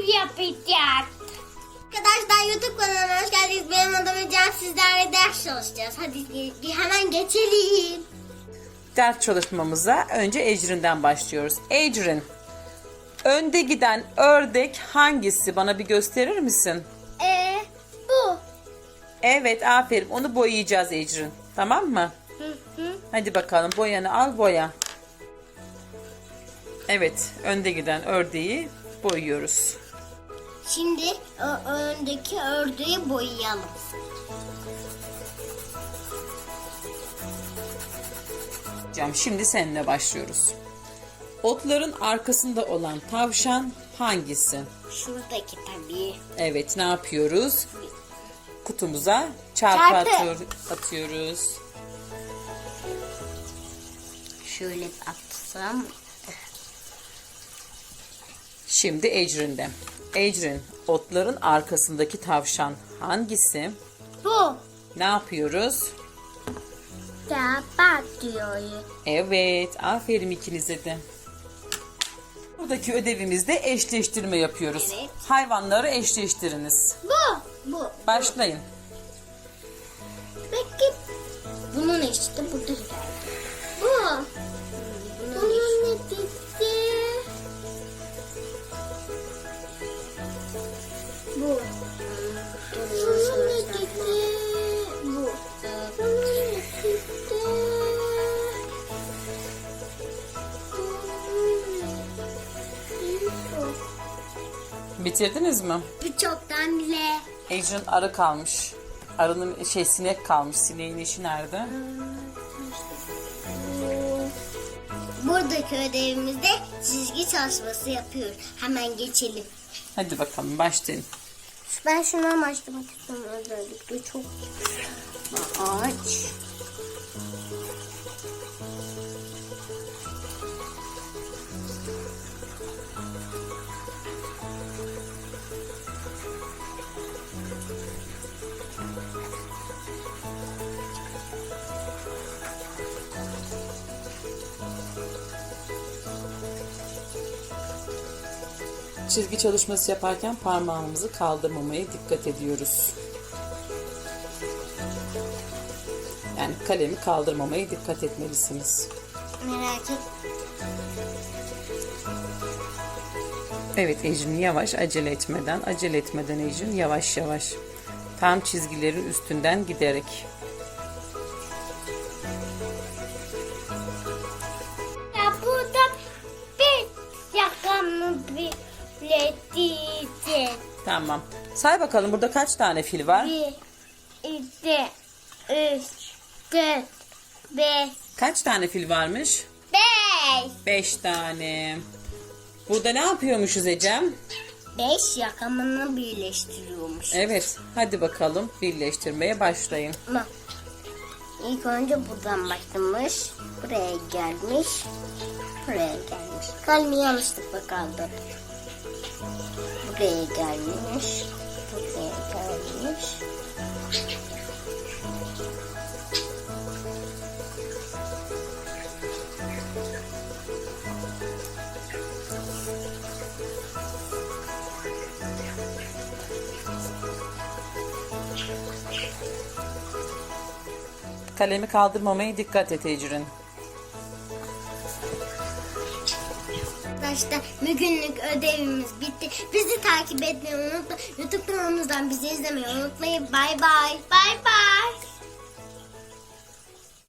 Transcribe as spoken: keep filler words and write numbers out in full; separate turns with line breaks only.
yapacağız.
Arkadaşlar YouTube kanalına hoş geldiniz. Benim adım Ecem. Sizlerle ders çalışacağız. Hadi ge- hemen geçelim.
Ders çalışmamıza önce Ecrin'den başlıyoruz. Ecrin, önde giden ördek hangisi? Bana bir gösterir misin?
Ee, bu.
Evet, aferin. Onu boyayacağız Ecrin. Tamam mı?
Hı hı.
Hadi bakalım, boyanı al, boya. Evet, önde giden ördeği boyuyoruz.
Şimdi o öndeki ördeği boyayalım.
Hocam, şimdi seninle başlıyoruz. Otların arkasında olan tavşan hangisi?
Şuradaki tabii.
Evet, ne yapıyoruz? Kutumuza çarpı,
Çarpı.
atıyor- atıyoruz.
Şöyle atsam.
Şimdi Ecrin'de. Ecrin, otların arkasındaki tavşan hangisi?
Bu.
Ne yapıyoruz?
Kapat diyor.
Evet, aferin ikinize de. Buradaki ödevimizde eşleştirme yapıyoruz.
Evet.
Hayvanları eşleştiriniz.
Bu. Bu.
Başlayın.
Peki. Bunun işte burada geldi. Bu. Bunun eşiti. Bu. Bunun eşiti. Bu. Bunun eşiti.
Bitirdiniz mi?
Bu çoktan bile.
Ecrin arı kalmış. Arının şey sinek kalmış. Sineğin işi nerede?
Buradaki ödevimizde çizgi çalışması yapıyoruz. Hemen geçelim.
Hadi bakalım, başlayın.
Ben şundan başlamak istiyorum özellikle. Çok ağaç.
Çizgi çalışması yaparken parmağımızı kaldırmamaya dikkat ediyoruz. Yani kalemi kaldırmamaya dikkat etmelisiniz.
Merak et.
Evet Ecrin, yavaş, acele etmeden, acele etmeden Ecrin, yavaş yavaş. Tam çizgilerin üstünden giderek.
Ya burada bir yakamı bileteceğiz.
Tamam. Say bakalım, burada kaç tane fil var?
Bir, iki, üç, dört, beş,
Kaç tane fil varmış?
beş.
Beş tane. Burada ne yapıyormuşuz Ecem?
Beş yakamını birleştiriyormuş.
Evet, hadi bakalım birleştirmeye başlayın.
Ama ilk önce buradan başlamış. Buraya gelmiş. Buraya gelmiş. Kalemi yanlışlıkla kaldı. Buraya gelmiş. Buraya gelmiş.
Kalemi kaldırmamaya dikkat et Ecrin.
Arkadaşlar bugünlük ödevimiz bitti. Bizi takip etmeyi unutmayın. YouTube kanalımızdan bizi izlemeyi unutmayın. Bay bay.
Bay bay.